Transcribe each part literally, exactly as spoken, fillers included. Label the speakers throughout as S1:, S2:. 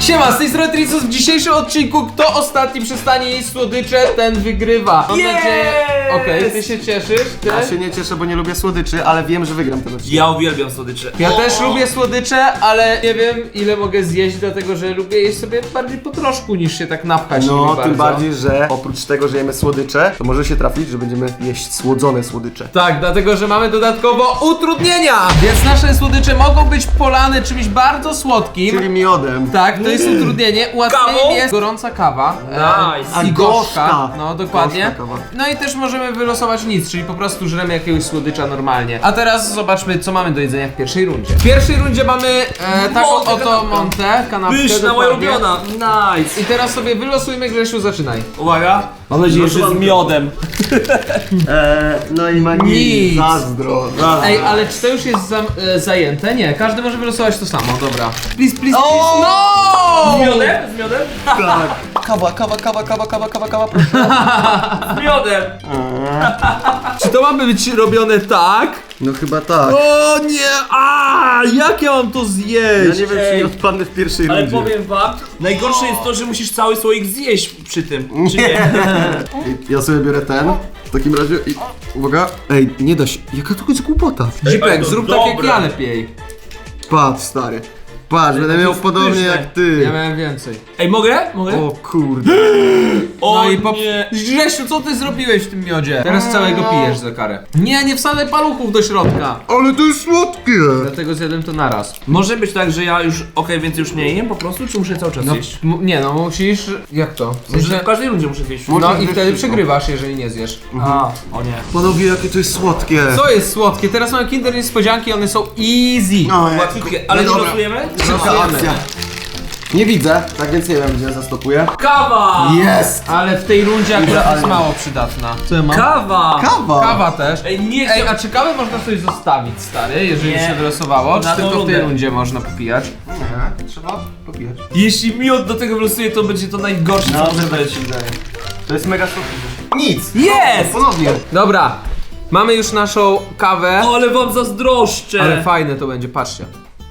S1: Siema, z tej strony Tricus. W dzisiejszym odcinku kto ostatni przestanie jeść słodycze, ten wygrywa. Mam
S2: Yes!
S1: nadzieję... Okej, okay, ty się cieszysz? Ty?
S3: Ja się nie cieszę, bo nie lubię słodyczy, ale wiem, że wygram ten odcinek.
S2: Ja uwielbiam słodycze.
S1: Ja też lubię słodycze, ale nie wiem ile mogę zjeść, dlatego że lubię jeść sobie bardziej po troszku niż się tak napchać.
S3: No,
S1: nimi
S3: tym
S1: bardzo.
S3: bardziej, że oprócz tego, że jemy słodycze, to może się trafić, że będziemy jeść słodzone słodycze.
S1: Tak, dlatego że mamy dodatkowo utrudnienia, więc nasze słodycze mogą być polane czymś bardzo słodkim.
S3: Czyli miodem.
S1: Tak, to jest utrudnienie. Ułatwieniem
S2: Kawą?
S1: jest gorąca kawa.
S2: Nice.
S1: E, I
S3: A,
S1: gorzka.
S3: gorzka.
S1: No, dokładnie.
S3: Gorzka kawa.
S1: No i też możemy wylosować nic, czyli po prostu żremy jakiegoś słodycza normalnie. A teraz zobaczmy, co mamy do jedzenia w pierwszej rundzie. W pierwszej rundzie mamy e, taką
S2: Montę,
S1: oto
S2: kanapkę.
S1: montę, kanapkę.
S2: Pyszna, moja
S1: dokładnie.
S2: ulubiona. Nice.
S1: I teraz sobie wylosujmy, Grzesiu, zaczynaj.
S2: Uwaga. Mam nadzieję, że z miodem.
S3: Eee, no i ma
S1: Nic.
S3: nic. Zazdro. zazdro.
S1: Ej, ale czy to już jest za, e, zajęte? Nie, każdy może wylosować to samo, dobra. Please, please,
S3: O!
S1: please. No!
S2: Z miodem? Z miodem?
S3: Tak. Kawa, kawa, kawa, kawa, kawa, kawa, kawa, proszę.
S2: Z miodem.
S1: Czy to ma być robione tak?
S3: No chyba tak.
S1: O nie! A, jak ja mam to
S3: Ja
S1: zjeść?
S3: nie wiem, czy nie odpadnę w pierwszej
S2: Ale
S3: rundzie.
S2: powiem wam, najgorsze jest to, że musisz cały słoik zjeść przy tym. Czy nie?
S3: Ej, ja sobie biorę ten. W takim razie i... Uwaga. Ej, nie da się. Jaka to jest głupota.
S1: Zipek,
S2: Ej, to
S1: zrób tak jak
S2: dobre.
S1: ja lepiej.
S3: Patrz, stary. Patrz, będę miał
S2: jest
S3: podobnie
S2: pyszne.
S3: jak ty.
S1: Ja miałem więcej.
S2: Ej, mogę? Mogę?
S3: O kurde.
S2: O
S1: No i po...
S2: nie.
S1: Grzesiu, co ty zrobiłeś w tym miodzie? Teraz całego pijesz za karę. Nie, nie wsadzaj paluchów do środka.
S3: Ale to jest słodkie.
S1: Dlatego zjadłem to naraz.
S2: Może być tak, że ja już, okej, więcej już nie jem po prostu, czy muszę cały czas
S1: No,
S2: jeść?
S1: m- nie no, musisz... Jak to? W
S2: Może
S1: sensie-
S2: w każdej rundzie muszę zjeść.
S1: No i
S3: zjeść
S1: wtedy
S3: wszystko.
S1: przegrywasz, jeżeli nie zjesz.
S2: A, o nie.
S3: Panowie, jakie to jest słodkie.
S1: Co jest słodkie? Teraz mamy Kinder Niespodzianki, one są easy.
S3: No, ej,
S2: Łatwiutkie, ale
S3: no
S2: nie
S3: dobra.
S2: losujemy?
S3: Szybka
S1: Losujemy.
S3: akcja. Nie widzę, tak więc nie wiem, gdzie zastopuję.
S2: Kawa!
S3: Jest!
S1: Ale w tej rundzie akurat jest
S3: Idealnie.
S1: mało przydatna. Co ja mam?
S2: Kawa!
S3: Kawa!
S1: Kawa też.
S2: Ej, nie
S1: Ej,
S2: chcę...
S1: a czy kawę można sobie zostawić, stary, jeżeli
S2: Nie.
S1: się wylosowało? Czy
S2: Na tą
S1: tylko w tej
S2: rundę.
S1: rundzie można popijać?
S3: Nie, trzeba popijać.
S2: Jeśli miód do tego wylosuję, to będzie to najgorsze, co może być.
S3: To jest mega słodkie. Nic!
S2: Jest!
S3: Ponownie.
S1: Dobra, mamy już naszą kawę.
S2: O, ale wam zazdroszczę!
S1: Ale fajne to będzie, patrzcie.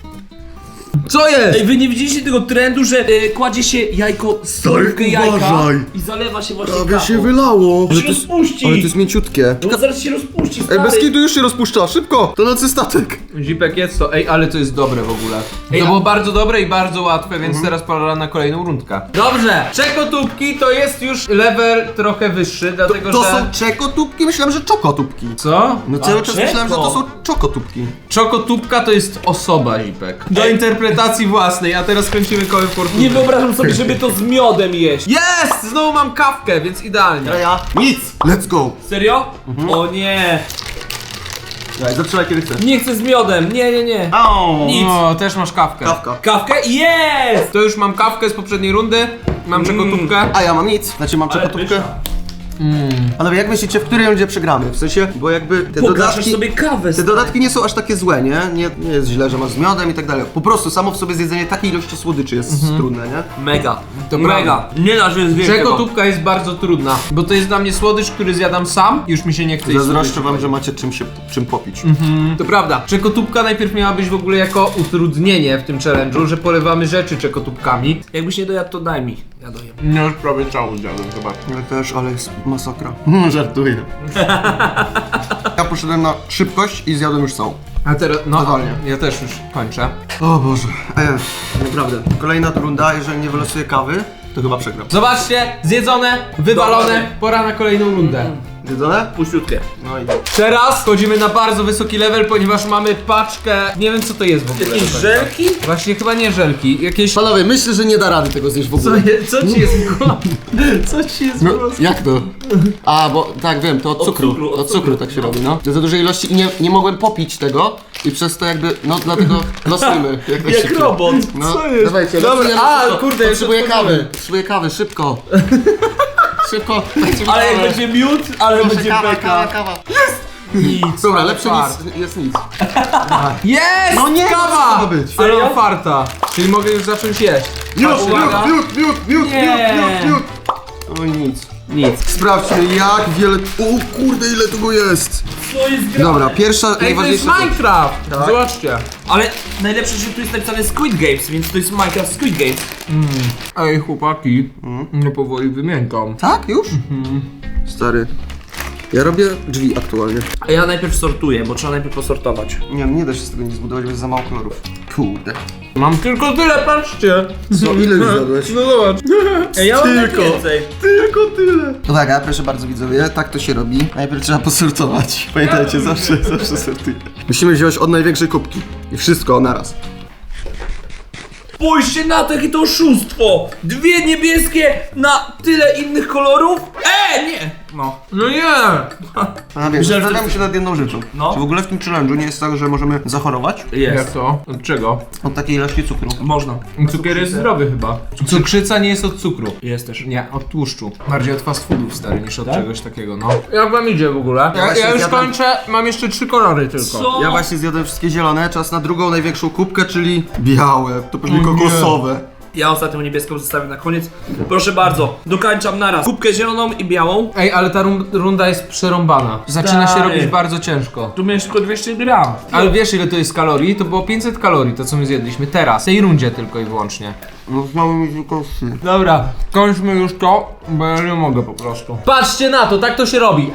S1: Co jest?
S2: Ej, wy nie widzieliście tego trendu, że e, kładzie się jajko, stówkę jajka
S3: uważaj.
S2: i zalewa się właśnie
S3: Prawie
S2: kawą.
S3: się wylało.
S2: To się rozpuści!
S3: Ale to jest mięciutkie.
S2: No zaraz się rozpuści,
S3: Ej,
S2: stary.
S3: bez kitu już się rozpuszcza, szybko! To nocy statek.
S1: Zipek jest to, ej, ale to jest dobre w ogóle.
S2: Ej,
S1: To
S2: a-
S1: było bardzo dobre i bardzo łatwe, więc teraz pora na kolejną rundkę. Dobrze, czekotubki to jest już level trochę wyższy, dlatego
S3: To
S1: że...
S3: są czekotubki? Myślałem, że czokotubki.
S1: Co?
S3: No cały
S2: A,
S3: czas myślałem, że to są czokotubki.
S1: Czokotubka to jest osoba, Zipek. Do interpretacji własnej, a teraz kręcimy kołem fortuny.
S2: Nie wyobrażam sobie, żeby to z miodem jeść.
S1: Jest! Znowu mam kawkę, więc idealnie.
S3: ja? Nic! Let's go!
S2: Serio? O nie!
S3: Daj, zatrzymaj kiedy chcesz.
S2: Nie chcę z miodem, nie, nie, nie.
S3: Au!
S2: Nic.
S1: O, też masz kawkę.
S3: Kawka.
S2: Kawkę? Jest!
S1: To już mam kawkę z poprzedniej rundy, mam czekotubkę.
S3: A ja mam nic, znaczy mam
S2: Ale
S3: czekotubkę.
S2: pyszna.
S3: Panowie, jak myślicie, w której rundzie przegramy? W sensie, bo jakby te
S2: Pogaszasz
S3: dodatki...
S2: sobie kawę,
S3: Te
S2: stary.
S3: dodatki nie są aż takie złe, nie? nie? Nie jest źle, że masz z miodem i tak dalej. Po prostu samo w sobie zjedzenie takiej ilości słodyczy jest trudne, nie?
S2: Mega.
S1: To
S2: Mega. Nie da się zjeść tego.
S1: Czekotubka jest bardzo trudna, bo to jest dla mnie słodycz, który zjadam sam i już mi się nie chce jeść
S3: Zazdroszczę
S1: słodyczy.
S3: wam, że macie czym się czym popić.
S1: To prawda. Czekotubka najpierw miała być w ogóle jako utrudnienie w tym challenge'u, że polewamy rzeczy czekotubkami.
S2: Jakbyś nie dojadł, to daj mi. Ja dojem.
S1: No już prawie całą zjadłem, zobacz.
S3: Ja też, ale jest masakra. Żartuję. Ja poszedłem na szybkość i zjadłem już całą.
S1: A teraz, no,
S3: Totalnie.
S1: ja też już kończę.
S3: O Boże. Ej, naprawdę. Kolejna runda, jeżeli nie wylosuję kawy, to chyba przegram.
S1: Zobaczcie, zjedzone, wywalone, pora na kolejną rundę.
S3: Zjedzone?
S2: Puściutkie.
S3: No i...
S1: Teraz wchodzimy na bardzo wysoki level, ponieważ mamy paczkę, nie wiem co to jest w ogóle.
S2: Jakieś żelki?
S1: Właśnie chyba nie żelki, jakieś...
S3: Panowie, myślę, że nie da rady tego zjeść w
S1: Co,
S3: ogóle.
S1: je, co ci jest w głowie? Co ci jest w
S3: No,
S1: głowie?
S3: jak to? A, bo tak wiem, to od
S2: Od
S3: cukru.
S2: cukru, od
S3: Od cukru
S2: cukru.
S3: tak się robi, no. Za dużej ilości i nie, nie mogłem popić tego i przez to jakby, no dlatego losujmy. Jak,
S2: Jak
S3: najszybciej.
S2: robot.
S3: No,
S1: Co jest?
S3: dawajcie,
S1: Dobra,
S3: losujemy
S1: a,
S3: szybko.
S1: kurde, już
S3: Potrzebuję
S1: otworzymy.
S3: kawy, potrzebuję kawy, szybko. Szybko, dajcie mi
S2: Ale jak
S3: kawę.
S2: będzie miód, ale
S3: Proszę,
S2: będzie
S3: kawa,
S2: beka.
S3: kawa, kawa.
S1: Nic.
S3: Dobra,
S1: ale
S3: lepsze
S1: fart.
S3: nic, jest nic.
S1: Jest!
S3: No nie, no co to
S1: kawa!
S3: ma być?
S1: Ale
S2: Serio?
S1: mam farta. Czyli mogę już zacząć jeść.
S3: Miód,
S1: Uwaga.
S3: miód, miód, miód, miód,
S2: Nie.
S3: miód, miód, miód. Oj, nic.
S2: Nic.
S3: Sprawdźmy jak wiele... O kurde, ile tego jest!
S2: Co jest grane?
S3: Dobra, pierwsza,
S1: Ej, to jest
S3: najważniejsza rzecz.
S1: Minecraft!
S3: Tak.
S1: Zobaczcie.
S2: Ale najlepsze, że tu jest napisane Squid Games, więc to jest Minecraft Squid Games.
S1: Ej, chłopaki, no powoli wymiękam.
S3: Tak? Już? Stary. Ja robię drzwi aktualnie.
S2: A ja najpierw sortuję, bo trzeba najpierw posortować.
S3: Nie, nie da się z tego nic zbudować, bo jest za mało kolorów. Kurde.
S1: Mam tylko tyle, patrzcie.
S3: Co, ile już zjadłeś?
S1: No zobacz.
S2: Ej, ja mam
S3: Tylko.
S2: więcej.
S3: Tylko tyle. Uwaga, proszę bardzo widzowie, tak to się robi. Najpierw trzeba posortować. Pamiętajcie, zawsze, zawsze sortuję. Musimy wziąć od największej kubki. I wszystko naraz.
S2: Spójrzcie na to, jakie to oszustwo! Dwie niebieskie na tyle innych kolorów? E, nie! No.
S1: No nie.
S3: A wiem,
S2: Myślałem, że
S3: zastanawiam
S2: to-
S3: się nad jedną rzeczą.
S2: No.
S3: Czy w ogóle w tym challenge'u nie jest tak, że możemy zachorować?
S1: Jak
S2: Jest.
S1: to? Od czego?
S3: Od takiej ilości cukru.
S2: Można.
S1: Cukier jest zdrowy chyba. Cukrzyca nie jest od cukru.
S2: Jest też.
S1: Nie, od tłuszczu. Bardziej od fast foodów stary niż od czegoś takiego, no. Jak wam idzie w ogóle? Ja,
S3: właśnie
S1: ja już
S3: zjadłem-
S1: kończę, mam jeszcze trzy kolory tylko.
S2: Co?
S3: Ja właśnie zjadłem wszystkie zielone, czas na drugą największą kubkę, czyli białe. To pewnie
S1: O nie.
S3: kokosowe.
S2: Ja ostatnią niebieską zostawię na koniec. Proszę bardzo, dokańczam naraz. Kubkę zieloną i białą.
S1: Ej, ale ta rum- runda jest przerąbana. Zaczyna się
S2: Stary.
S1: robić bardzo ciężko.
S2: Tu miałeś tylko dwieście gram.
S1: Ale wiesz ile to jest kalorii? To było pięćset kalorii, to co my zjedliśmy teraz. W tej rundzie tylko i wyłącznie.
S3: No znowu mi się kości.
S1: Dobra, kończmy już to, bo ja nie mogę po prostu. Patrzcie na to, tak to się robi.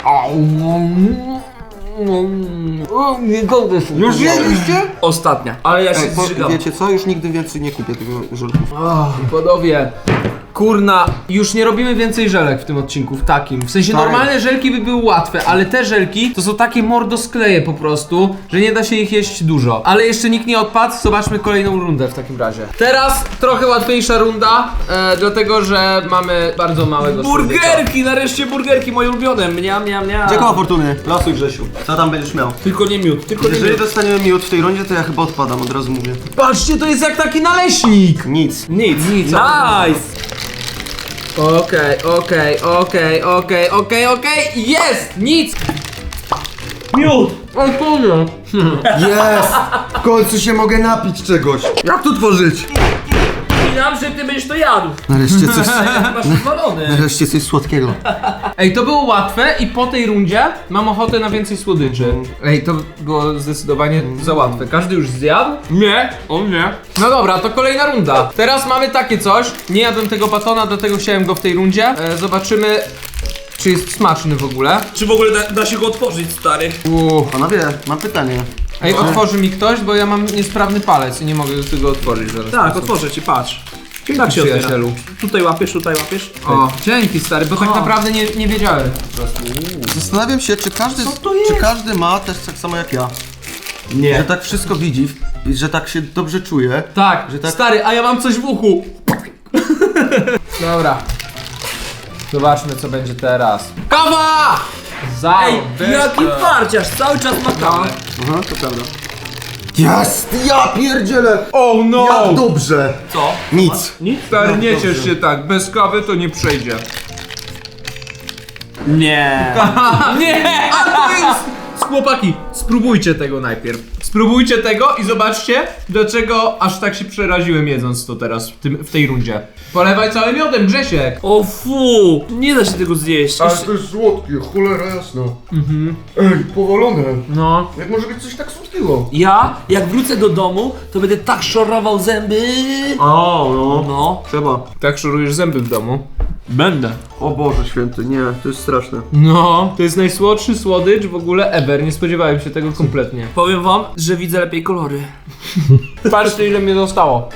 S1: O, nie godzę się.
S3: Już jedliście?
S2: Ostatnia. Ale ja się
S3: Ej, po,
S2: zżygam.
S3: wiecie co? Już nigdy więcej nie kupię tego żelków.
S1: Oh, podobie. Kurna, już nie robimy więcej żelek w tym odcinku, w takim. W sensie
S3: Stary.
S1: normalne żelki by były łatwe, ale te żelki to są takie mordoskleje po prostu, że nie da się ich jeść dużo. Ale jeszcze nikt nie odpadł, zobaczmy kolejną rundę w takim razie. Teraz trochę łatwiejsza runda, e, dlatego że mamy bardzo małego słodyka.
S2: Burgerki, nareszcie burgerki, moje ulubione. Mniam, mniam, mniam.
S3: Dziękuję fortuny. Losuj Grzesiu. Co tam będziesz miał?
S2: Tylko nie miód, tylko nie
S3: Jeżeli
S2: miód.
S3: dostaniemy miód w tej rundzie, to ja chyba odpadam, od razu mówię.
S1: Patrzcie, to jest jak taki naleśnik!
S3: Nic.
S2: Nic,
S1: Nic.
S2: Nice!
S1: Okej, okej, okej, okej, okej, okej, jest! Nic!
S2: Miód!
S1: Odpowiem.
S3: Jest! W końcu się mogę napić czegoś. Jak to tworzyć?
S2: Wspominam, że ty będziesz to jadł.
S3: Nareszcie coś,
S2: Masz rozwalony.
S3: nareszcie coś słodkiego.
S1: Ej, to było łatwe i po tej rundzie mam ochotę na więcej słodyczy. Ej, to było zdecydowanie za łatwe. Każdy już zjadł?
S2: Nie, on nie.
S1: No dobra, to kolejna runda. Teraz mamy takie coś. Nie jadłem tego batona, dlatego chciałem go w tej rundzie. E, zobaczymy, czy jest smaczny w ogóle.
S2: Czy w ogóle da, da się go otworzyć, stary?
S1: Uuu.
S3: Panowie, mam pytanie.
S1: Ej, otworzy mi ktoś, bo ja mam niesprawny palec i nie mogę tego otworzyć zaraz.
S2: Tak, otworzę ci, patrz. Tak się otwiera.
S1: Przyjacielu.
S2: Tutaj łapiesz, tutaj łapiesz.
S1: O, dzięki stary, bo tak
S2: O.
S1: naprawdę nie, nie wiedziałem po prostu.
S3: Zastanawiam się, czy każdy,
S2: Co to jest?
S3: czy każdy ma też tak samo jak ja.
S2: Nie.
S3: Że tak wszystko widzi i że tak się dobrze czuje.
S1: Tak,
S3: Że tak-
S1: stary, a ja mam coś w uchu. Dobra. Zobaczmy, co będzie teraz. Kawa! Za
S2: Ej, jaki farciarz, cały czas ma kawę.
S3: Aha, to prawda. Jest! Ja pierdzielę!
S1: Oh no!
S3: Jak dobrze!
S2: Co?
S3: Nic.
S2: Nic?
S1: Stary, nie
S3: Dobrze.
S1: ciesz się tak, bez kawy to nie przejdzie.
S2: Nie.
S1: Nie! A to jest... Chłopaki, spróbujcie tego najpierw. Spróbujcie tego i zobaczcie, dlaczego aż tak się przeraziłem jedząc to teraz w, tym, w tej rundzie. Polewaj całym miodem, Grzesiek.
S2: O fu, nie da się tego zjeść. Jeszcze-
S3: jest słodkie, cholera jasno. Mhm. Ej, powolone.
S1: No.
S3: Jak może być coś tak słodkiego?
S2: Ja, jak wrócę do domu, to będę tak szorował zęby.
S3: O, no.
S2: No.
S3: Trzeba.
S1: Tak szorujesz zęby w domu?
S2: Będę.
S3: O Boże święty, nie, to jest straszne.
S1: No. To jest najsłodszy słodycz w ogóle ever. Nie spodziewałem się tego kompletnie.
S2: Powiem wam, że widzę lepiej kolory.
S1: Patrzcie, ile mnie zostało.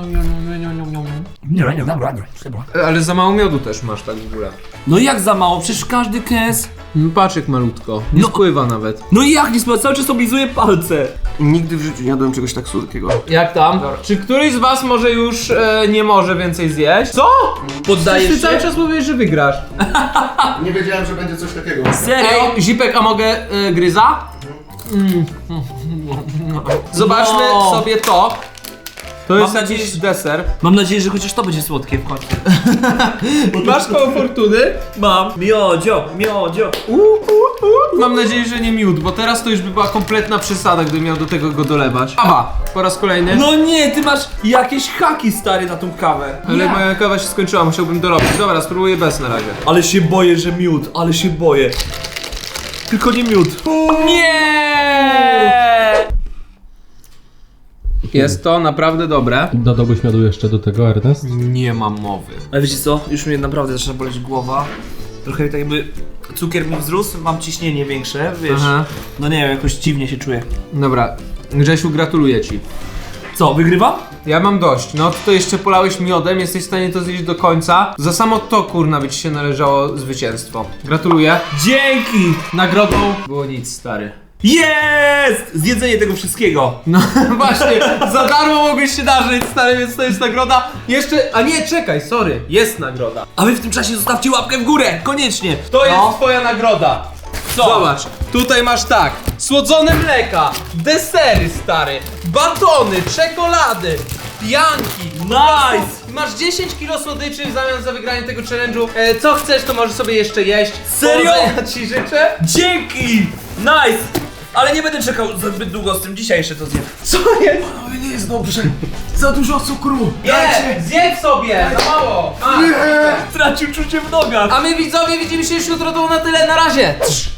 S1: Ale za mało miodu też masz tak w ogóle.
S2: No jak za mało, przecież każdy kęs.
S1: No patrz jak malutko. Nie
S2: No.
S1: spływa nawet.
S2: No i jak nie spływa, cały czas oblizuję palce.
S3: Nigdy w życiu nie jadłem czegoś tak słodkiego.
S1: Jak tam? Czy któryś z was może już e, nie może więcej zjeść? Co?
S2: Poddajesz
S1: Ty cały
S2: się?
S1: czas mówisz, że wygrasz.
S3: Nie wiedziałem, że będzie coś takiego.
S2: Serio?
S1: Ej, Zipek, a mogę e, gryza? Mm. Zobaczmy
S2: No.
S1: sobie to. To
S2: Mam
S1: jest
S2: nadzieję,
S1: jakiś
S2: że-
S1: deser.
S2: Mam nadzieję, że chociaż to będzie słodkie w końcu.
S1: Masz koło fortuny?
S2: Mam. Miodzio, miodzio.
S1: Uh, uh, Mam nadzieję, że nie miód, bo teraz to już by była kompletna przesada, gdybym miał do tego go dolewać. Kawa, po raz kolejny.
S2: No nie, ty masz jakieś haki, stary, na tą kawę.
S1: Ale moja kawa się skończyła, musiałbym dorobić. Dobra, spróbuję bez na razie.
S2: Ale się boję, że miód, ale się boję. Tylko nie miód.
S1: Nie! Jest to naprawdę dobre.
S4: Dodałbyś miodu jeszcze do tego, Ernest?
S1: Nie mam mowy.
S2: Ale wiecie co? Już mnie naprawdę zaczyna boleć głowa. Trochę tak jakby cukier mi wzrósł, mam ciśnienie większe, wiesz.
S1: Aha.
S2: No nie wiem, jakoś dziwnie się czuję.
S1: Dobra, Grzesiu, gratuluję ci.
S2: Co, wygrywam?
S1: Ja mam dość. No to jeszcze polałeś miodem, jesteś w stanie to zjeść do końca. Za samo to, kurna, by ci się należało zwycięstwo. Gratuluję.
S2: Dzięki!
S1: Nagrodą było nic, stary.
S2: Jest! Zjedzenie tego wszystkiego.
S1: No właśnie, za darmo mogłeś się darzyć, stary, więc to jest nagroda. Jeszcze, a nie, czekaj, sorry, jest nagroda.
S2: A wy w tym czasie zostawcie łapkę w górę, koniecznie.
S1: To jest
S2: No.
S1: twoja nagroda.
S2: Co?
S1: Zobacz, tutaj masz tak, słodzone mleka, desery, stary, batony, czekolady, pianki.
S2: Nice!
S1: Masz dziesięć kilo słodyczy w zamian za wygranie tego challenge'u. E, co chcesz, to możesz sobie jeszcze jeść.
S2: Serio?
S1: Powodzenia ci życzę.
S2: Dzięki! Nice! Ale nie będę czekał zbyt długo z tym, dzisiaj jeszcze to zjem.
S1: Co jest?
S3: Panowie, nie jest dobrze. Za dużo cukru.
S1: Nie, zjedz sobie, za mało. A,
S2: Stracił czucie w nogach.
S1: a my widzowie widzimy się już jutro, to na tyle, na razie.